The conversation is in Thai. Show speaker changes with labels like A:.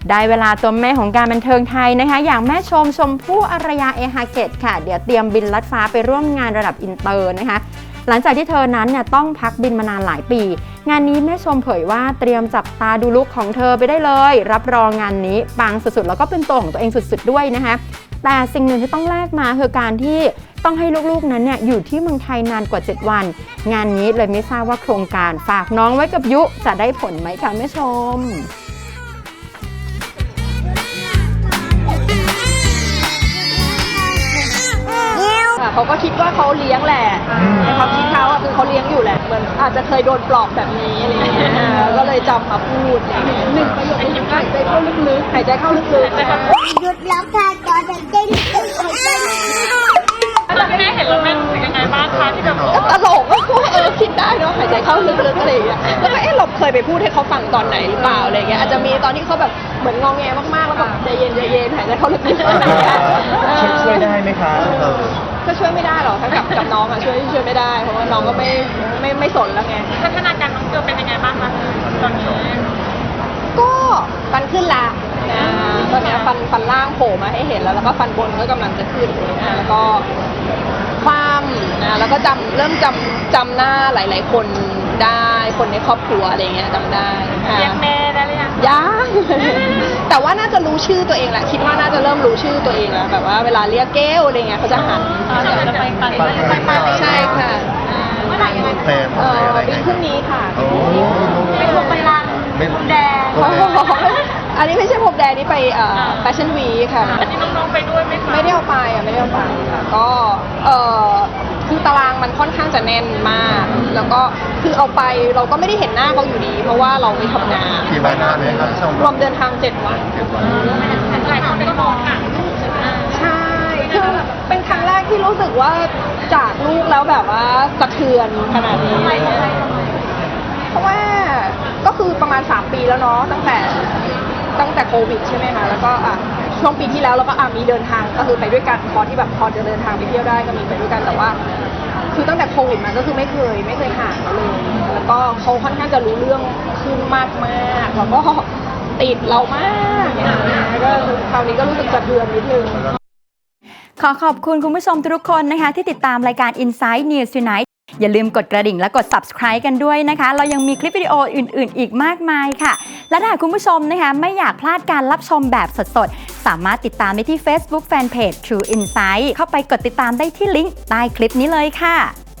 A: ได้เวลาตัวแม่ของการบันเทิงไทยนะคะอย่างแม่ชมพู่อารยาเอฮาเกตค่ะเดี๋ยวเตรียมบินลัดฟ้าไปร่วมงานระดับอินเตอร์นะคะหลังจากที่เธอนั้นเนี่ยต้องพักบินมานานหลายปีงานนี้แม่ชมเผยว่าเตรียมจับตาดูลุคของเธอไปได้เลยรับรองงานนี้ปังสุดๆแล้วก็เป็นตัวของตัวเองสุดๆด้วยนะคะแต่สิ่งหนึ่งที่ต้องแลกมาคือการที่ต้องให้ลูกๆนั้นเนี่ยอยู่ที่เมืองไทยนานกว่า7วันงานนี้เลยไม่ทราบว่าโครงการฝากน้องไว้กับยุจะได้ผลไหมคะแม่ชม
B: เขาก็คิดว่าเขาเลี้ยงแหละในความคิดเขาคือเขาเลี้ยงอยู่แหละเหมือนอาจจะเคยโดนปลอบแบบนี้อะไรอย่างเงี้ยก็เลยจำมาพูดหนึ่งประโยคนึงหายใจเข้าลึกๆหายใจเข้าลึกๆ
C: หยุดแล้วค่ะจอหายใจลึกๆหายใจลึกๆ
D: แล้วแม่เห็นแล้วแม่รู้สึกยังไงบ้างคะที่แบบ
B: ตลกว่าคิดได้เนาะหายใจเข้าลึกๆอะไรอย่างเงี้ยแล้วก็เราเคยไปพูดให้เขาฟังตอนไหนหรือเปล่าอะไรเงี้ยอาจจะมีตอนที่เขาแบบเหมือนงอแงมากๆแล้วแบบใจเย็นหายใจเข้าลึกๆ
E: ช่วยได้ไหมคะ
B: ก็ช่วยไม่ได้หรอกถ้ากับน้องอะช่วยไม่ได้เพราะว่าน้องก็ไม่สนแล้วไง
D: พัฒนาการน้องเกลเป็นยังไงบ้างคะตอนนี้
B: ก็ฟันขึ้นละตอนนี้ฟันล่างโผล่มาให้เห็นแล้วก็ฟันบนก็กำลังจะขึ้นแล้วก็ความแล้วก็เริ่มจำหน้าหลายๆคนได้คนในครอบครัวอะไรเงี้ยจำได้
D: เรียกแม่ได้หรือยัง
B: ยังแต่ว่าน่าจะรู้ชื่อตัวเองแหละคิดว่าน่าจะเริ่มรู้ชื่อตัวเองแล้วแบบว่าเวลาเรียกแก้วอะไรเงี้ยเขาจะหัน
D: จะไปปาร์ตี้
B: ใช่ค่ะ
D: เมื่อไหร่ยังไง
B: ปีพรุ่งนี้ค่ะ
D: เป็นพวงไปรังพแดง
B: อันนี้ไม่ใช่พรมแดงนี่ไปแฟชั่นวีคค่ะ
D: อันนี้น้องๆไปด้วยไหมคะ
B: ไม่ได้เอาไปค่ะก็คือตารางมันค่อนข้างจะแน่นมากแล้วก็คือเอาไปเราก็ไม่ได้เห็นหน้าเขาอยู่ดีเพราะว่าเราไปทำงาน
E: กี่วันนเลยครับ
B: รวมเดินทาง7 วัน
D: หลายคนก็มองหนังลูก
B: ใช่คือเป็นครั้งแรกที่รู้สึกว่าจากลูกแล้วแบบว่าสะเทือนขนาดนี้เพราะว่าก็คือประมาณ3 ปีแล้วเนาะตั้งแต่โควิดใช่ไหมคะแล้วก็ช่วงปีที่แล้วเราก็มีเดินทางก็คือไปด้วยกันพอจะเดินทางไปเที่ยวได้ก็มีไปด้วยกันแต่ว่าคือตั้งแต่โควิดมาก็คือไม่เคยห่างเขาเลยแล้วก็เขาค่อนข้างจะรู้เรื่องขึ้นมากแล้วก็ติดเรามากก็คราวนี้ก็รู้สึกสะเทือนนิดนึง
A: ขอขอบคุณคุณผู้ชมทุกคนนะคะที่ติดตามรายการ Inside News Tonight อย่าลืมกดกระดิ่งและกด Subscribe กันด้วยนะคะเรายังมีคลิปวิดีโออื่นๆอีกมากมายค่ะและถ้าคุณผู้ชมนะคะไม่อยากพลาดการรับชมแบบสดๆสามารถติดตามได้ที่ Facebook Fanpage True Insight เข้าไปกดติดตามได้ที่ลิงก์ใต้คลิปนี้เลยค่ะ